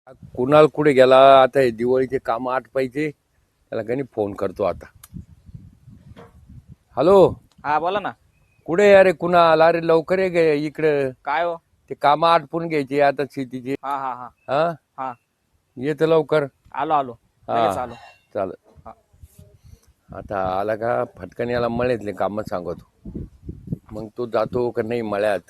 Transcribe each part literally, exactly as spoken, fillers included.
कुणाल कुठे गेला आता? हे दिवाळीचे काम आटपायचे, त्याला काही फोन करतो आता. हॅलो, हा बोला ना. कुठे अरे कुणाल? अरे लवकर ये गे इकडं. काय हो? ते काम आटपून घ्यायचे आता शेतीचे. हा हा हा हा हा येत लवकर. आलो आलो लगेच आलो. चाल हा. आता आला का फटकन याला मळ्यातले काम सांगतो, मग तो जातो का नाही मळ्यात.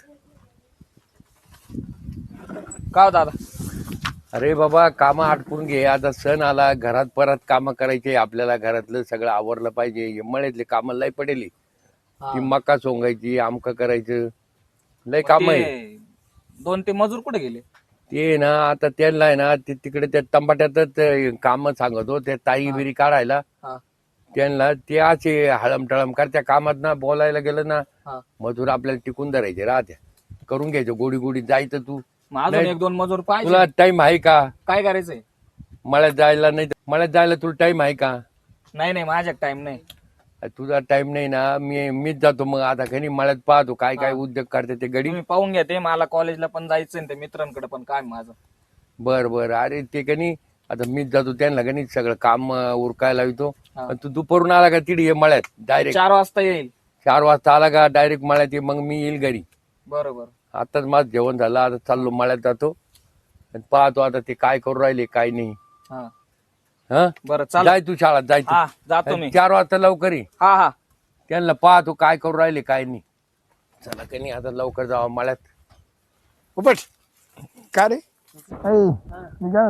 का हो दादा? अरे बाबा काम आटपून घे, आता सण आला, घरात परत काम करायचे आपल्याला, घरातलं सगळं आवरलं पाहिजे. हे मळ्यातले काम लय पडेली, ती मका सोंगायची, आमक करायचं, लय काम आहे. ते दोन ते मजूर कुठे गेले? ते ना आता त्यांना आहे ना ते तिकडे त्या टमाट्यातच काम सांगतो, ते ताई बिरी काढायला. हा त्यांना ते असे हळम टळम करत्या कामात ना, बोलायला गेलं ना हा मजूर आपल्याला टिकून धरायचे राहत्या. करून घ्यायचं गोडी गोडी जायचं. तू मग अजून नाही, एक दोन मजूर पाहिजे. तुला टाइम आहे का काय करायचंय? मळ्यात जायला? नाही मळ्यात जायला तुला टाइम आहे का? नाही नाही माझ्या टाइम नाही. तुझा टाइम नाही ना, मी मीच जातो. मग आता काही मळ्यात पाहतो काय काय हा. उद्योग करते ते गडी. तुम्ही पाहून घ्या, ते मला कॉलेजला पण जायचंय आणि ते मित्रांकडे पण काय माझं. बर बर अरे ते कनी आता मीच जातो त्यांना कनी सगळं काम अं, उरकायला येतो. हा. तू दुपारून आला का तिथे ये मळ्यात डायरेक्ट. चार वाजता येईल. चार वाजता आला का डायरेक्ट मळ्यात ये, मग मी येईल घरी. बरोबर. आताच माझं जेवण झालं, आता चाललो मळ्यात जातो आणि पाहतो आता ते काय करू राहिले काय नाही. हा हा बरं चाल. जाय तू शाळेत जाय तू. हा जातो मी. चार वाजता लवकर ये. हा हा त्यांना पाहतो काय करू राहिले काय नाही. चला का नाही आता लवकर जावं मळ्यात. उपट का रे? मी काय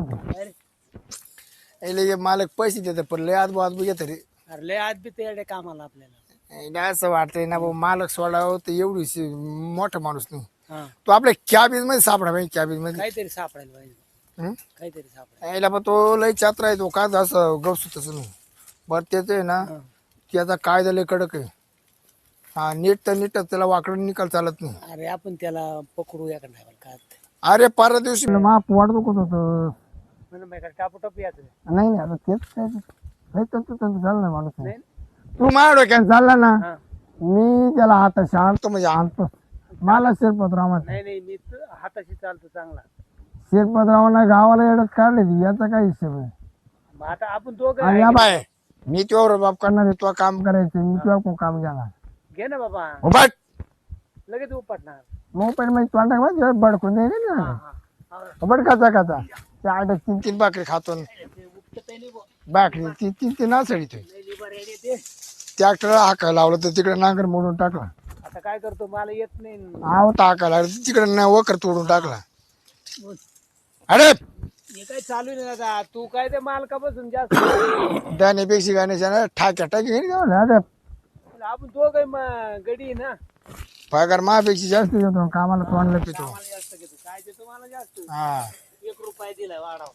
होतो मालक पैसे देत पण लय आज आज घेत रे. अरे लय आज बी ते कामाला आपल्याला. नाही असं वाटतंय ना भाऊ, मालक सोडावं तर एवढी शी- मोठा माणूस नाही. हा तो आपल्या कॅबिन मध्ये सापडा पाहिजे, कॅबिन मध्ये. काहीतरी सापडायला पाहिजे. हं? काहीतरी सापडायला. यायला पण तो लय चात्रा आहे तो, का असं गवसू तसं नाही. बरं त्याच आहे ना, त्याचा कायदा लय कडक आहे. हा नीट तर नीट त्याला वाकडून निकाल चालत नाही. अरे आपण त्याला पकडू या का काय अरे परवा दिवशी माप वाढतो कसं होतं. म्हणून टापू टप याच. नाही नाही आता तेच काय चाललं ना माणूस. तू माझ्या डोक्यात चालला ना, मी त्याला हाताशी आणतो म्हणजे आणतो. मला शिरपतराव नाही नाही मी हाताशी चालतो चांगला. शिरपतरावांना गावाला येडत काढले याचा काय हिशोब आहे? मग आता आपण दोघं आणि या बाय मी तुझ्यावर बाप करणार आहे, तुला काम करायचं, मी तुझ्या कोण काम घेणार. घे ना बाबा, उभट लगेच उपटणार. मोबाईल मध्ये तोंडा माझ्या बडकून दे ना. उभट खाता खाता त्या आठ तीन तीन भाकरी खातो, भाकरी तीन तीन तीन नाचडीतोय. ट्रॅक्टरला हाका लावलं तर तिकडे नांगर मोडून टाकला. आता काय करतो, मला येत नाही. आवता हाका लागला तिकडे ना वकर तोडून टाकला. अरे हे काय चालू नाही दादा, तू काय ते मालकापासून जास्त. त्यानेपेक्षा गाण्याच्या ना ठाक्या टाकी अरे आपण दोघं मग गडी ना. पगार मापेक्षा जास्त देतो कामाला, तोंडला पितो. मला जास्त घेतो. काय देतो मला जास्त? हा एक रुपया दिलाय वाढाव.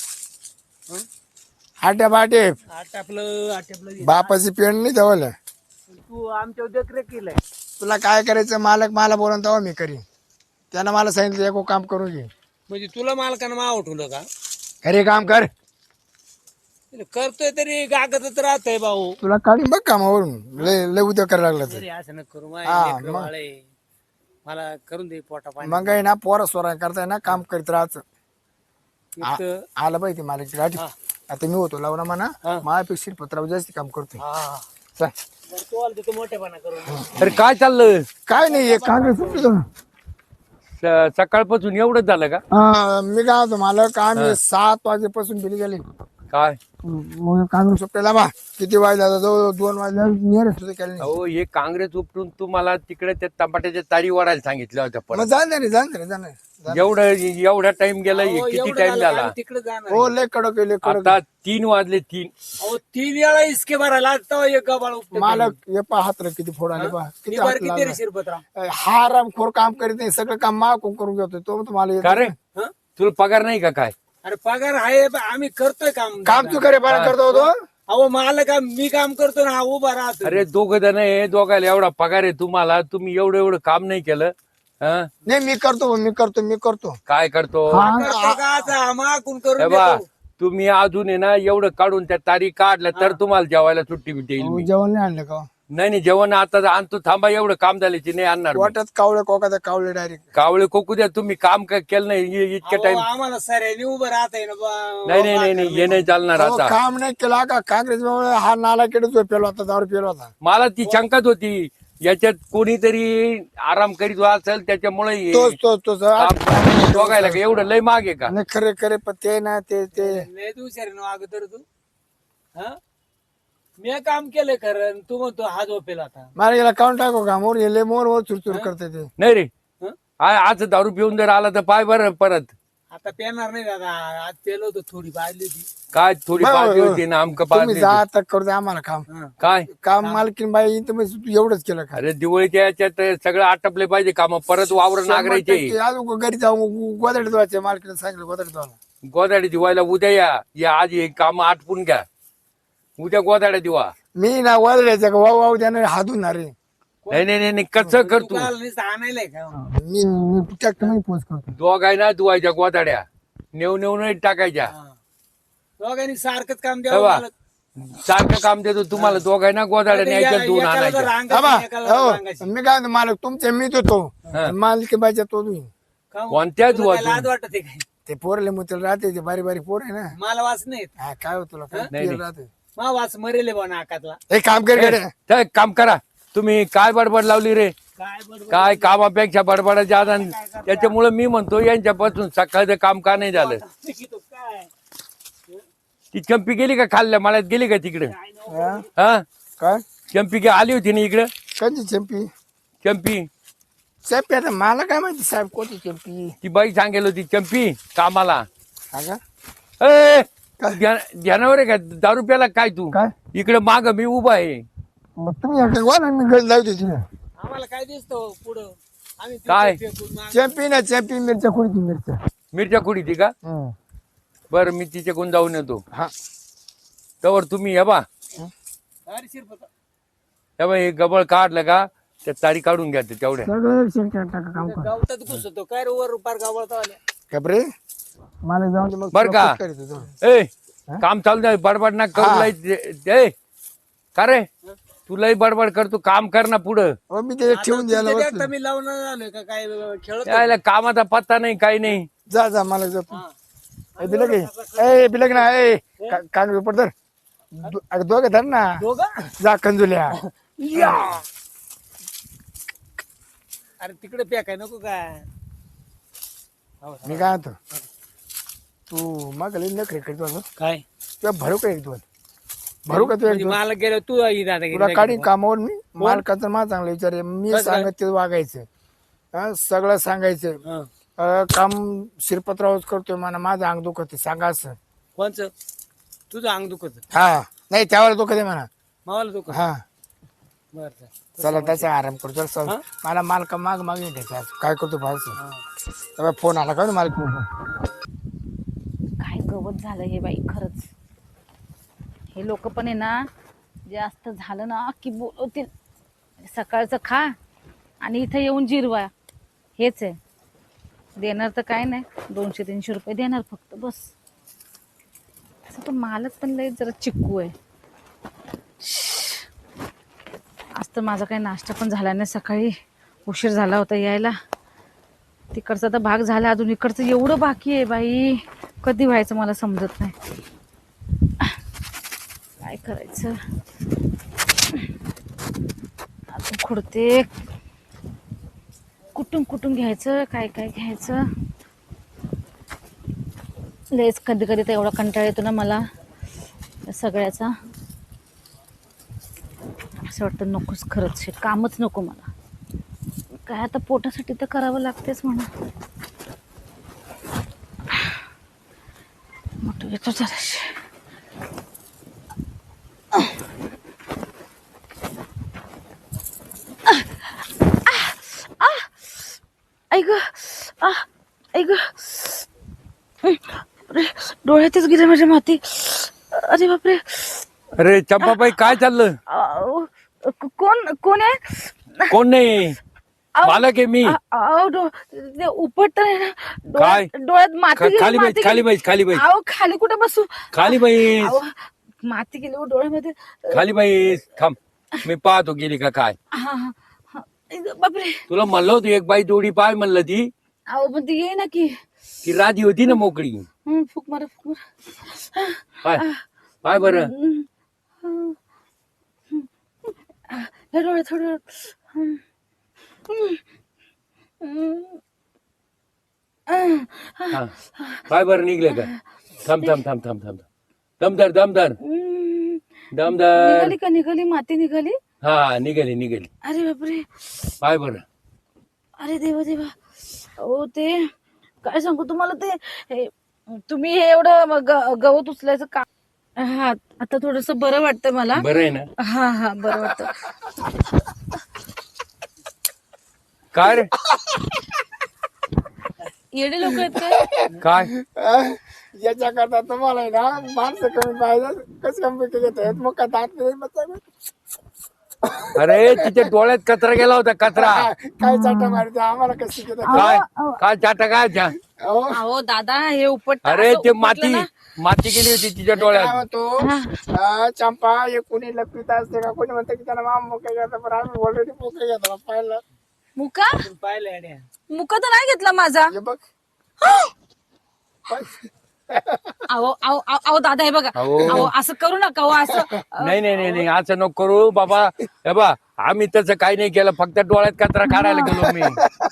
आट्या बाटे आटापलं आटापलं. बापाची पेंड नाही जवळ. तू आमच्या देखरेख केलंय. तुला काय करायचं मालक मला बोलून तेव्हा मी करीन. त्यानं मला सांगितलं एक काम करून घे. म्हणजे तुला मालकानं माव उठवलं का? अरे काम कर, करतोय तरी गागतच राहतय भाऊ. तुला काढून बघ कामावरून. लय लय उद्या करायला लागला तर तरी असं न करू. हा, माझे मग. वाळे मला करून दे पोटा पाणी. मग आहे ना पोरा सोरा करताय ना काम करीत राहायचं. इतकं- आलं पाहिजे मालक गाठी. आता मी होतो लावला म्हणा, माझ्यापेक्षा पत्रावर जास्त काम करतोय. हा. चल. बरं, तू आला तिथं मोठेपणा करून. अरे काय चाललं? काय नाही हे काँग्रेस सुटलं. स- सकाळपासून एवढंच झालं का? हा, मी काय होतो मालक आम्ही सात वाजेपासून बिल गेले. काय मग काँग्रेस सुटलेला बा किती वाजले आता जवळ दोन वाजल्या नियर सुद्धा केलं नाही. अहो हे काँग्रेस उपटून तुम्हाला तिकडे त्या टमाट्याच्या तारी वाढायला सांगितलं होतं. मग पण जाणार रे जाणार रे जाणार. एवढं एवढा टाइम गेला, अहो, किती एवढं टाइम झालं झाला? का तिकडे जाणार. हो लय कडक आहे, लय कडक आता तीन वाजले. तीन अहो तीन वेळा इसके भरायला आता एक गबाळ उपटत. मालक हे पहा हात रे किती फोड आले पहा किती निभार हात किती लागला. रे शिरपतराव? हा आराम खोर काम करीत नाही, सगळं काम मागून करून घेतोय तो तुम्हाला येत का रे? नाही. हं? तुला पगार नाही का काय? अरे पगार आहे पण आम्ही करतोय काम. काम तू करे पाणी करतो होतो. अहो मला काम मी काम करतो ना, हा उभा राहतो. अरे दोघ जण आहे, दोघाला एवढा पगार आहे तुम्हाला, तुम्ही एवढं एवढं काम नाही केलं. हं? नाही मी करतो मी करतो मी करतो. काय करतो? हा, करतो का आता? मागून करून हे बा देतो. तुम्ही अजून आहे ना एवढं काढून त्या तारीख काढल्या तर तुम्हाला जेवायला सुट्टी देईल मी. जेवण नाही आणलं का? नाही नाही जेवण आता आणतो थांबा एवढं काम झाल्याची नाही आणणार मी. वाटत कावळे कोका कावळे डायरेक्ट. कावळे कोकू द्या तुम्ही काम काय केलं नाही इ- इतक्या अहो, टाइम आम्हाला सऱ्याने उभं राहता ना बा- नाही नाही नाही नाही हे नाही चालणार आता काम नाही केला का काँग्रेस हा नाला केडच पेलो होता दारू पेलो होता. मला ती शंकाच होती याच्यात कोणीतरी आराम करीत असेल त्याच्यामुळे हे तोच तोच तोच काम बघायला का एवढं लय मागे का नाही खरे खरे पण ते ना ते ते लय तू हुशार आहे ना अगोदर तू हा मी काम केलंय खरं आणि तू म्हणतो हा झोपेल आता मला गेला काउंट टाको का मोर गेले मोर मोर चुरचुर करते ते. नाही रे हं? आ- आज दारू पिऊन जर आला तर पाय बरं परत आता पेणार नाही दादा आज पेलो होतो थोडी पाहिली होती काय थोडी बरं, पाजली बरं. होती ना आमक तुम्ही पाजली जा होती. आता करू दे आम्हाला काम. काय काम मालकीन बाई तर मग एवढंच केलं का. अरे दिवाळीच्या याच्यात सगळं आटपले पाहिजे काम परत वावर नागरायचे शंभर टक्के अजून घरी जाऊ गोदडे धुवायचे मालकीने सांगितलं गोदडे धुवायला. गोदाड्या दिवायला उद्या या या आज हे काम आटपून घ्या उद्या गोदाड्या दिवा मी ना गोदड्याच्या वाव वाव त्याने हातून रे नाही नाही नाही, नाही कसं कर तू आणायलाय का मी मी ट्रॅक्टर मध्ये पोच करतो. दोघाय ना धुवायच्या गोदाड्या नेऊ नेऊ नाही टाकायच्या दोघांनी सारखंच काम तेव्हा द्यावं सारखं काम देतो तुम्हाला दोघांना गोदाड्या न्यायच्या धुवून आणायच्या बाबा, हो, मी काय म्हणतो, मालक तुमचे मी तो मालकी बाईच्या तो तुम्ही कोणत्या धुवा लाज वाटत आहे काय ते पोरले मुतल राहते ते बारी बारी पोर आहे ना. मला वाच नाही येत. हा, काय होत तुला काय नाही, पियला नाही. राहते. मा वाच मरेल बा नाकातला एक काम कर गड्या. तर एक काम करा तुम्ही काय बडबड लावली रे काय बरोबर काय कामापेक्षा बडबड जादा त्याच्यामुळे मी म्हणतो यांच्यापासून सकाळचं काम का नाही झालं काय ती चंपी गेली का खाल्ल्या मळ्यात गेली का तिकडे हा? हा काय चंपी की आली होती ना इकडे कधी चंपी चंपी चंपी आता मला काय माहिती साहेब कोणती चंपी. ती बाई सांगेल होती चंपी कामाला हा का? ए ध्यान- ध्यानावर आहे का दारू प्याला काय तू काय इकडे माग मी उभा आहे मग तुम्ही इकडे बोला मी गड लावते तिला. आम्हाला काय दिसतो पुढं आम्ही काय? तिथे फेकून माग- चंपी ना चंपी मिरच्या कुठे मिरच्या. मिरच्या खुडी ती का हम्म. बरं मी तिच्याकडून जाऊन येतो हा तवर तुम्ही हे बा अरे शिरपत हे बा हे गबळ काढलं का त्या तारी काढून घ्या ते तेवढ्या सगळं एक सेकंड टाका काम कर. गावतात घुसतो काय रे वर पार गावळता आल्या कबरे मला जाऊन दे मग बरं का? तुला पुट करीत होतो. ए काम चालू नाही बडबड ना करू हा. लय ते- ए, का रे तू लय बडबड करतो काम कर ना पुढं हो मी ते ठेवून द्यायला तुमच्या बसलो. देखता मी लावून आलोय का काय खेळत त्याला कामाचा पत्ता नाही काही नाही जा जा मला जा तू. ए, बिलक आहे. ए बिलक ना ए का- कान पेपर धर दो- अरे दोघे धर ना दोघं जा कंजुल्या. अरे तिकडे पॅक नको काय मी काय म्हणतो तू मग नखरे करीत होतो काय तुला भरू का एक दोन भरू का तू एक दोन मला गेलो तू आई दादा तुला काढीन कामावर मी मालकाचं मला चांगलं विचार आहे. मी कसं काय? सांगत ते वागायचं हा, सगळं सांगायचं अं, काम शिरपत्रावच करतोय मला माझं अंग दुखत सांगा असं. कोणचं तुझं अंग दुखत हा नाही त्यावर दुखत आहे म्हणा. मावाला दुखत हा बर चला त्याचा आराम करतो चल, चल. मला मालका माग माग त्याचा काय करतो फारस फोन आला का मालक काय गवत झालं हे बाई खरंच. हे लोक पण आहे ना जास्त झालं ना की बोलवतील सकाळचं खा आणि इथं येऊन जिरवा हेच आहे. देणार तर काय नाही दोनशे तीनशे रुपये देणार फक्त बस. असं पण मालक पण लय जरा चिक्कू आहे. आज तर माझा काही नाश्ता पण झाला नाही सकाळी उशीर झाला होता यायला. तिकडचा तर भाग झाला अजून इकडचं एवढं बाकी आहे बाई कधी व्हायचं मला समजत नाही. काय करायचं अजून खुडते कुठून कुठून घ्यायचं काय काय घ्यायचं. लयच कधी कधी तर एवढा कंटाळा येतो ना मला या सगळ्याचा. असं वाटतं नकोच खरंच हे कामच नको मला. काय आता पोटासाठी तर करावं लागतेच म्हणा. मोठं येतो जराशी. ऐक ऐक डोळ्यातच गेले माझ्या माती. अरे बापरे. अरे चंपाबाई काय चाललं अहो, कोण कोण आहे. कोण नाही मालक आहे मी. उपट काय? डोळ्यात माती खा- गेली, खाली माती बैस खाली गेली. बैस खाली बैस अहो खाली कुठे बसू. खाली बैस अहो, माती गेली हो डोळ्यामध्ये. खाली बैस थांब मी पाहतो गेली का काय. हा हा हा. बापरे. तुला म्हणलं होतं एक बाई जोडी पाय म्हणलं ती अहो पण ती ये ना की. ती राधी होती ना मोकळी. हं, फुक मारा फुक मारा. पाय पाय बरं. हं, हं, हं. हे डोळे थोडं. हं, हं, हं. हा पाय बरं निघले का. थांब थांब थांब थांब थांब दमदार दमदार हं. दमदार. निघाली का निघाली माती निघाली. हा निघाली निघाली. अरे बापरे. पाय बरं. अरे देवा देवा. हो ते काय सांगू तुम्हाला ते हे, तुम्ही हे एवढं ग- गवत उचलायचं का. हा आता थोडस बरं वाटतं मला. बरं आहे ना. हा हा बरं वाटतं. काय रे येडे लोक आहेत काय. काय याच्या करता तुम्हाला आहे ना माणसं कमी पाहिजे कसं कमी घेत आहेत मग का दात नाही बसावे. अरे तिच्या डोळ्यात कचरा गेला होता कचरा. काय चाटा मारते आम्हाला कसं घेत काय काय चाटा काय त्या. अहो दादा हे उपट. अरे ते माती माती गेली होती तिच्या डोळ्यात. म्हणतो चंपा हे कोणी लपित असते का कोणी म्हणतं की त्याला माम मोके घेतात पण आम्ही ऑलरेडी मोके घेतो पाहिलं. मुका पाहिलं येड्या. मुका तर नाही घेतला माझा. हे बघ अहो अहो अहो अहो, दादा हे बघा. अहो. अहो असं करू नका हो असं. नाही नाही नाही नाही असं नको करू बाबा. हे बा आम्ही तसं काही नाही केलं फक्त डोळ्यात कचरा काढायला गेलो मी.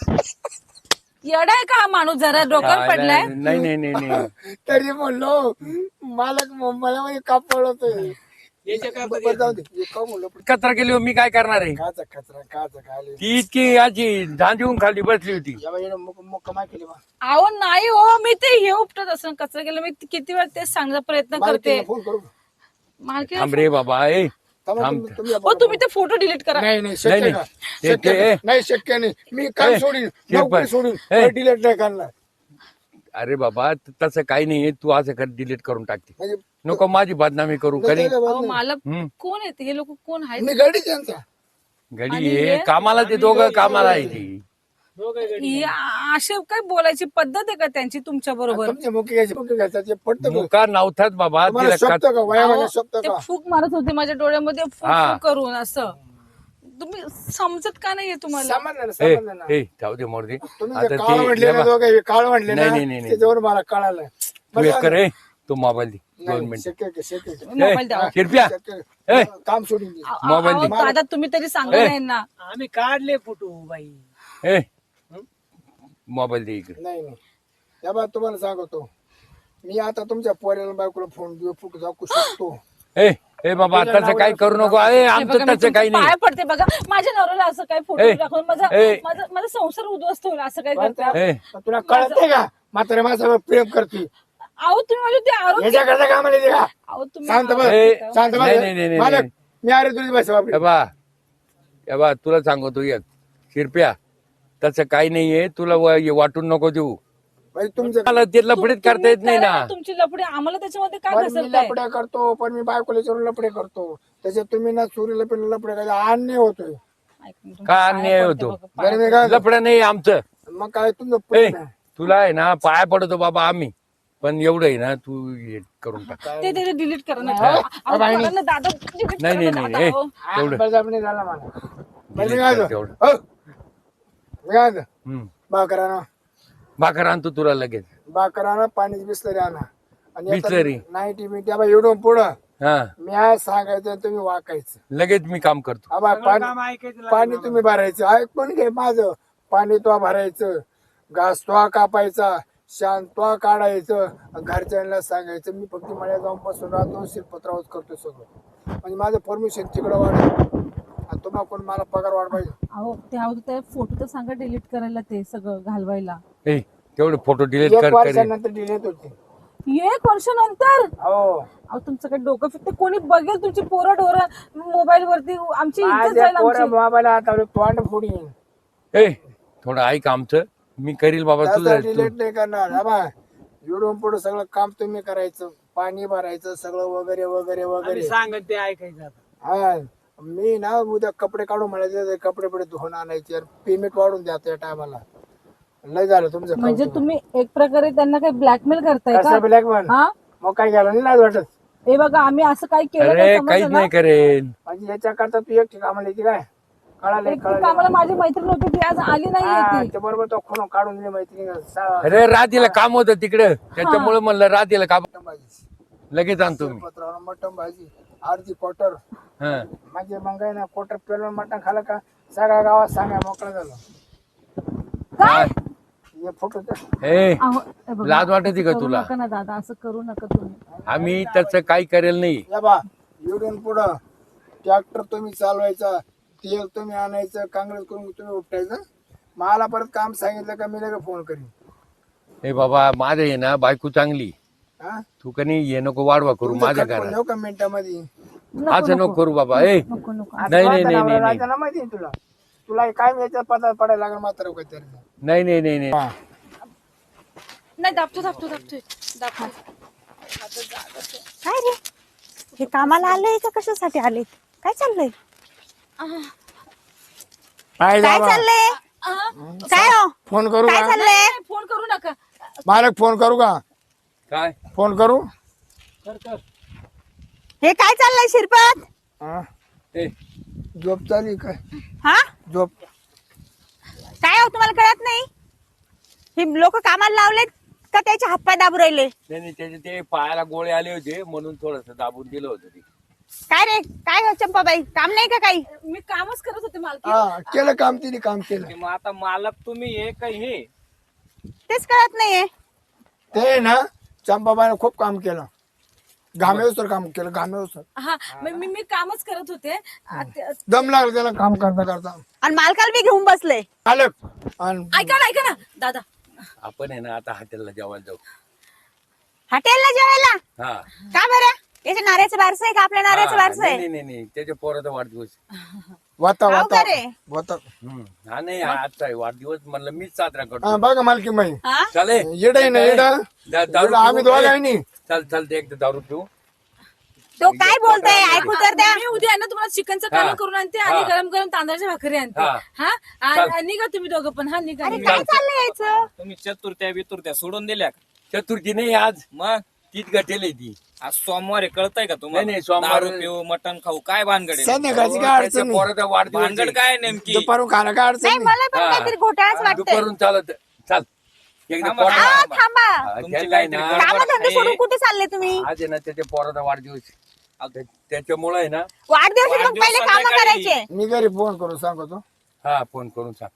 येडा आहे का हा माणूस जरा डोक्यावर पडलाय. नाही नाही नाही नाही तरी म्हणलो मालक मला म्हणजे कापड होतोय याच्या काय बरं जाऊ दे हे का म्हणलं पण कचरा केली हो, मी काय करणार आहे. काचा कचरा काचा खाली ती इतकी याची झांजून खाली बसली होती. मुक्का माय केली बा अहो नाही हो मी ते हे उपटत असं कचरा केलं मी किती वेळा तेच सांगण्याचा प्रयत्न करते. फोन करू मालकी थांब रे बाबा. ए थांबा, थांब. तुम्ही- तुम्ही हो तुम्ही ते फोटो डिलीट करा. नाही नाही नाही, शक्य नाही. नाही. ते- शक्य ते- नाही. नाही शक्य नाही मी काम ए, सोडीन ते नोकरी पण- सोडून ए. डिलेट नाही करणार अरे बाबा तसं काही नाही तू असं कर डिलीट करून टाकते. म्हणजे नको माझी बदनामी करू करी. अहो मालक हम्म. कोण आहेत हे लोक कोण आहेत. मी गाडी त्यांचा घडी ये कामाला ते दोघं कामाला आहे ती. ही असे काय बोलायची पद्धत आहे का त्यांची तुमच्या बरोबर. तुमचे मुख्य घ्यायचे मुख्य घ्यायचं ते पडतं का? मुका नव्हताच बाबा तुम्हाला तिला शोभतं का वयामध्ये शोभतं ते का फूक मारत होते माझ्या डोळ्यामध्ये फूक हा. फूक करून असं. तुम्ही समजत का नाहीये तुम्हाला. समजलं ना ए समजलं ना ए जाऊ दे मोरदे. तुम्ही आता जे ते काळ म्हणले ना दोघे काळ म्हणले नाही, ना नाही, नाही, नाही. त्याच्यावर मला कळालं तू एक कर रे तू मोबाईल दे दोन नाही, मिनिट. शक्य आहे, शक्य आहे. तुम्ही मोबाईल द्या. शिरप्या शक्य ए. आहे. काम सोडून दे. अहो, मोबाईल अहो, दे. दादा तुम्ही तरी सांगा ए. नाही ना. आम्ही काढले फोटो बाई. ए मोबाईल दे इकडे. नाही नाही या बा तुम्हाला सांगतो मी आता तुमच्या पोऱ्याला बायकोला फोन देऊ फुक दाखवू शकतो. ए ए बाबा तसं काही करू नको. ए हे आमचं बघा, मी तसं काही तुमचे नाही. पाय पडते बघा माझ्या नवऱ्याला असं काही फोटो ए. दाखवून माझा ए. माझा माझा संसार उद्ध्वस्त होईल असं काय करता. ए तुला कळत नाही का म्हातारे माझ्यावर प्रेम करते अहो तुम्ही माझे ते आरोप. याच्या करता कामाला येते का अहो तुम्ही शांत बस ए. शांत बस नाही, नाही, नाही, नाही, मालक नाही. मी अरे तुझी बस ए बा ए बा तुला सांगतो एक शिरप्या तसं काही नाहीये तुला वा- हे वाटून नको देऊ. तुमचं मला ते लफडीत करता येत नाही करा ना. ना तुमची लपडे आम्हाला त्याच्यामध्ये काय पण मी घसरताय. लपड्या करतो पण मी बायकोला चोरून लपडे करतो त्याच्यात तुम्ही ना चोरी लपडे लपडे करता अन्याय होतोय ऐक ना, तुमच्या काय पाया अन्याय पडते होतो? बघा, पाया बरं मी काय लफडं नाही आमचं. मग काय तुमचं ए प्रेम आहे. तुला आहे ना पाया पडतो बाबा आम्ही पण एवढं आहे ना तू हे करून टाक. पडते. ते डिलीट करा ना. अहो, अहो, करा ना दादा delete नाही करा नाही ना नाही दादा, ए, अहो. हा, तेवढं बळजबरी नाही झाला मला बरं मी delete काय कर म्हणतो? तेवढं. हो. मी काय म्हणतो? हम्म. भाकर आणा भाकर आणतो तुला लगेच. भाकर आणा पाण्याची बिस्लरी आणा आणि बिसलरी? नाईटी मी त्या एवढं पुढं हा मी आज सांगायचं आणि तुम्ही वाकायचं लगेच मी काम करतो. आबा काम पाणी ऐकायचं पाणी तुम्ही भरायचं ऐकून घे माझं पाणी तो भरायचं घास तो कापायचा शान तो काढायचं आणि घरच्यांना सांगायचं मी फक्त मळ्यात जाऊन बसून राहतो शिरपत्रावच करतो सगळं म्हणजे माझं परमिशन तिकडं वाढ आणि तुम्हाला कोण मला पगार वाढ पाहिजे अहो ते अहो ते फोटो तर सांगा डिलीट करायला ते सगळं घालवायला. ए तेवढे फोटो डिलीट एक कर करे. वर्षानंतर डिलेट होते एक वर्षानंतर. हो अहो तुमचं काही डोकं फिरते कोणी बघेल तुमची पोरं डोरं मोबाईल वरती आमची इज्जत माझ्या जाईल पोरं आमची. मोबाईल आता तोंड फोडीन ए थोडं ऐक आमचं मी करील बाबा तुझं तू- डिलेट नाही करणार आबा इकडून पुढे सगळं काम तुम्ही करायचं पाणी भरायचं सगळं वगैरे वगैरे आम्ही वगैरे सांगत ते ऐकायचं आता. हा मी ना उद्या कपडे काढून म्हणायचे कपडे पडे धुवून आणायचे पेमेंट वाढून द्या त्या टायमाला लय झालं तुमचं म्हणजे तुम्ही एक प्रकारे त्यांना काही ब्लॅकमेल करताय कसं का. ब्लॅक मॅन हा मग काय घ्यायला नाही लाज वाटत हे बघा आम्ही असं काही केलं अरे नाही, काहीच समजलं ना? नाही करेन. म्हणजे याच्याकरता तू एकटी कामाला येते काय कळाले एक कामाला माझी मैत्रीण होती ती आज आली नाहीये ती. ते बरोबर तो खून काढून दिली मैत्रिणी अरे राधीला काम होतं तिकडं, त्याच्यामुळे म्हणलं राधीला काम लगेच आणतो मी. पत्रावर मटण भाजी अर्धी क्वार्टर हा. म्हणजे मग आहे ना क्वार्टर पेरून मटण खाल्लं का सगळ्या गावात सांगा मोकळं झालं. काय? हे फोटो तर ए अहो, हे बघा, लाज वाटते का करू तुला? नका ना दादा, असं करू नका तुम्ही. आम्ही तसं काही करेल नाही. या बा इकडून पुढं ट्रॅक्टर तुम्ही चालवायचा, तेल तुम्ही आणायचं, काँग्रेस करून तुम्ही उपटायचं. मला परत काम सांगितलं का मी लगेच फोन करीन. ए बाबा माझं आहे ना बायको चांगली, हा तू कनी हे नको वाढवा करू तुमचं माझ्या खटपण घरात. देऊ का मिनिटामध्ये? असं नको करू बाबा. ए नको नको आज नाही, नाही, वाटतं नाही, ना, नाही, नाही. राजाला माहिती आहे तुला तुला काय याच्यात पदार पडायला लागेल मात्र काहीतरी. नाही नाही नाही नाही नाही दाबतो दाबतो दाबतोय दाबतो. काय रे हे कामाला आले का कशासाठी आले? काय चाललंय? काय काय बाबा? चाललंय? काय हो? फोन करू काय का? चाललंय? फोन करू नका. मालक फोन करू का? काय फोन करू? हे काय चाललंय शिरपत? हा? ए झोप चालली काय? हा झोप काय हो तुम्हाला कळत नाही? हे लोक कामाला लावलेत का त्याचे हातपाय दाबू राहिले? नाही नाही, त्याचे ते पायाला गोळे आले होते म्हणून थोडस दाबून दिलं होतं ते. काय रे काय हो चंपाबाई, काम नाही का काही? मी कामच करत होते मालकी. हा केलं काम तिने काम केलं. मग आता मालक तुम्ही हे काय हे तेच कळत नाहीये. ते ना चंपाबाईने खूप काम केलं, घामेवसर काम केलं घामेवसर. हा मी मी- मी कामच करत होते. आ, ते- दम लागला त्याला काम करता करता. आणि मालकाला बी घेऊन बसले. मालक आणि ऐका ना ऐका ना दादा. आपण आहे ना आता हॉटेलला जेवायला जाऊ. हॉटेलला जेवायला? हा का बरं? याच्या नाऱ्याचं बारसं आहे का आपल्या नाऱ्याचं हा, बारसं नाही आहे? नाही नाही नाही, त्याच्या पोराचा वाढदिवस. वाता हाव वाता का रे? वाता. हम्म. हा नाही हा आजचा आहे वाढदिवस, म्हणलं मीच साजरा करतो. हा, बघा मालकी माई हा? चाले येडा आहे ना येडा. दा- दारू येडा आम्ही पिऊ. दोघं ए, आहे नी. चल चल ते एकदा दारू पिऊ. तो काय बोलतोय ऐकू तर द्या. मी उद्या आहे ना तुम्हाला चिकनचं हा. कालवण करून आणते आणि हा. गरम गरम तांदळाच्या भाकरी आणते. हा. हा चाल. आणि निघा तुम्ही दोघं पण. हा निघा अरे निघा. काय चाललंय यायचं? तुम्ही चतुर्थ्या बितुर्थ्या सोडून दिल्या का? चतुर्थी नाही आज, मग तीच गटेल ती. आज सोमवार कळतंय का नाही, तुम्हाला? नाही, सोमवार- दारू पिऊ मटण खाऊ काय भानगड आहे? संध्याकाळची काय त्याच्या अडचण नाही. पोराचा वाढदिवस भानगड आहे. काय नेमकी? दुपारून खायला काय अडचण नाही नाही. मला पण हा. काहीतरी घोटाळाच वाटतंय. दुपारून चालत चाल एकदा थांबा, पोराला- आ, थांबा. थांबा. हा, तुमची त्याला आहे काहीतरी ना, गडबड काम धंदे आहे. सोडून कुठे चालले तुम्ही? आज आहे ना त्याच्या पोराचा वाढदिवस आहे. त्याच्यामुळे आहे ना. वाढदिवस मग वाढदिवस पहिले काम संध्याकाळी. करायचे. मी घरी फोन करून सांगतो. हा फोन करून सांग.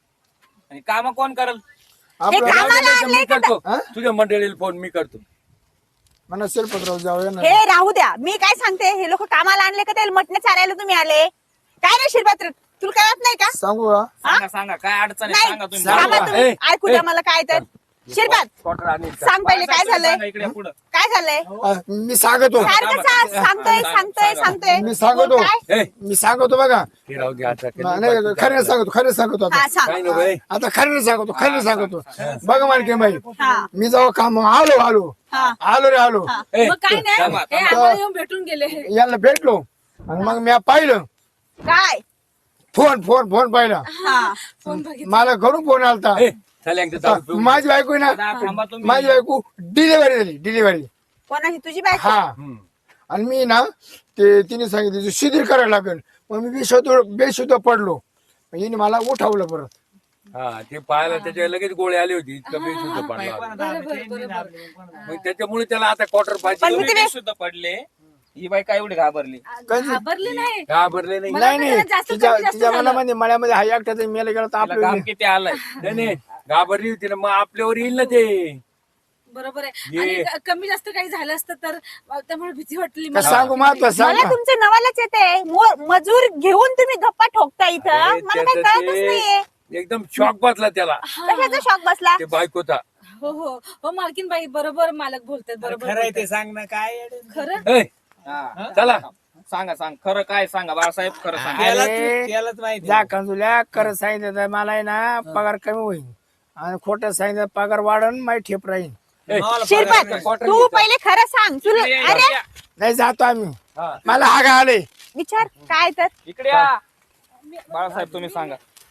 आणि काम कोण करल? आपलं हे कामाला नाही, आणले मी का? करतो हा? तुझ्या मंडळीला फोन मी करतो. म्हणा शिरपतराव जाऊया ना. हे राहू द्या, मी काय सांगते, हे लोक कामाला आणले का त्याला मटण चारायला तुम्ही आले? काय रे शिरपत्र, तुला कळत नाही का? सांगू का? सांगा सांगा काय अडचण आहे नाही सांगा तुम्ही. सांगा. थांबा तुम्ही, ए, ऐकू ए. द्या मला काय तर. शिरपत क्वार्टर आणील का? सांग पहिले काय सांगा झालंय, इकडे पुढं. काय झालंय? हा, मी सांगतो सारखं सा- सांगतोय सांगतोय सांगतोय. मी सांगतो. बोल काय? ए, मी सांगतो बघा. ते राहू दे आता. नाही खरं सांगतो खरं सांगतो आता. हा सांग. काय नको बाई. आता खरं सांगतो खरं सांगतो. बघा मालकी बाई, हा मी जेव्हा काम आलो आलो हा आलो रे आलो ए, मग काय नाही थांबा, हे आम्हाला येऊन भेटून गेले. याला भेटलो आणि मग मी पाहिलं काय? फोन फोन फोन पाहिला. हा फोन बघितला. मला घरून फोन आलता. ए, चल एकदा दारू पिऊ. माझी बायको आहे दादा, ना, थांबा तुम्ही. माझी बायको डिलिव्हरी झाली डिलिव्हरी. कोणाची? तुझी बायको? हा हम्म. आणि मी ना ते तिने सांगितलं शिथिल करायला लागेल. मग मी बेशुद्ध बेशुद्ध पडलो. मग हिने मला उठवलं परत. हा ते पायाला त्याच्या लगेच गोळे आले होते. इतकं बेशुद्ध पडला. बरोबर बरोबर. मग त्याच्यामुळे त्याला आता क्वार्टर पाहिजे. पण मी तुम्ही ते सुद्धा पडले. ही बाई काय एवढी घाबरली? घाबरली नाही. घाबरले नाही. मला नाही वाटलं नाही जरा जास्त तिच्या कमी जास्त तिच्या झालं. मनामध्ये मळ्यामध्ये हा एकट्याचा मेला गेला तर तिला आपलं घाम किती आलाय? नाही नाही घाबरली होती ना, मग आपल्यावर येईल ना ते. बरोबर आहे. ये. आणि क- कमी जास्त काही झालं असतं तर त्यामुळे भीती वाटली का मला. सांगू महत्व सांग मला ना. तुमचं नवालाच येते. मो- मजूर घेऊन तुम्ही गप्पा ठोकता इथं. अरे, मला काही त्याचं कळतच नाहीये. ते एकदम शॉक बसला त्याला कशाचा शॉक बसला? ते बायकोचा. हो हो हो मालकीन बाई बरोबर मालक बोलतात. बरोबर खरं आहे ते बोलतात. सांग ना काय खरं. ए, हा. चला सांगा सांग खरं काय सांगा बाळासाहेब खरं सांगा. त्यालाच अरे, त्यालाच माहिती जा कंजुल्या करत सांगितलं तर मला आहे ना पगार कमी होईल आणि खोटं सांगितलं पगार वाढन माही ठेप राहील. ए, शिरपत तू पहिले खरं सांग. तुला इकडे या, अरे इकडे या. नाही जातो आम्ही. हा. मला हागा आले. विचार काय तर. इकडे या बाळासाहेब तुम्ही सांगा.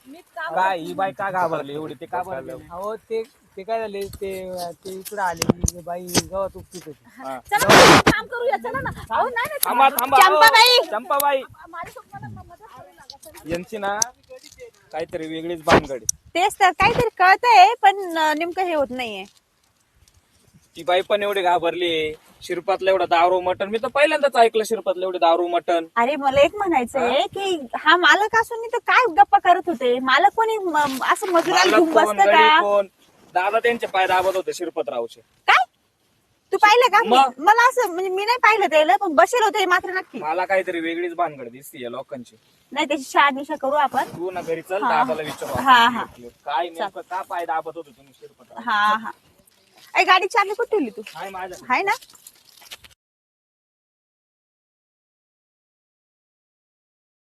काय ही बाई का घाबरली एवढी ते का घाबरली अहो ते ते काय झाले ते ते इकडे आले बाई गावात उपटीत होती. चला ना, आपण काम करूया चला ना अहो नाही नाही थांबा थांबा चंपाबाई! अहो, चंपाबाई माझ्यासोबत मला मदत करू नका. यांची ना काहीतरी वेगळीच भानगड आहे. तेच तर काहीतरी कळतंय पण अं, नेमकं हे होत नाहीये. ती बाई पण एवढी घाबरली शिरपातलं एवढं दारू मटण मी तर पहिल्यांदाच ऐकलं शिरपातलं एवढे दारू मटण अरे मला एक म्हणायचंय की हा मालक असून तर काय गप्पा करत होते मालक कोणी म- असं मजुराला घेऊन कोण बसतं गडी का कोण दादा त्यांचे पाय दाबत होते शिरपतरावचे. काय तू पाहिलं का मग? मी- मला असं म्हणजे मी नाही पाहिलं त्याला पण बसेल होते हे मात्र नक्की मला काहीतरी वेगळीच भानगड दिसती या लोकांची. नाही त्याची शहानिशा करू आपण. तू ना घरी चल हा. दादाला विचारू हा, आपण. हा. काय नेमकं का पाय दाबत होते तुम्ही शिरपतराव हा हा अरे गाडी चालली कुठे ठेवली तू काय माझ्या आहे ना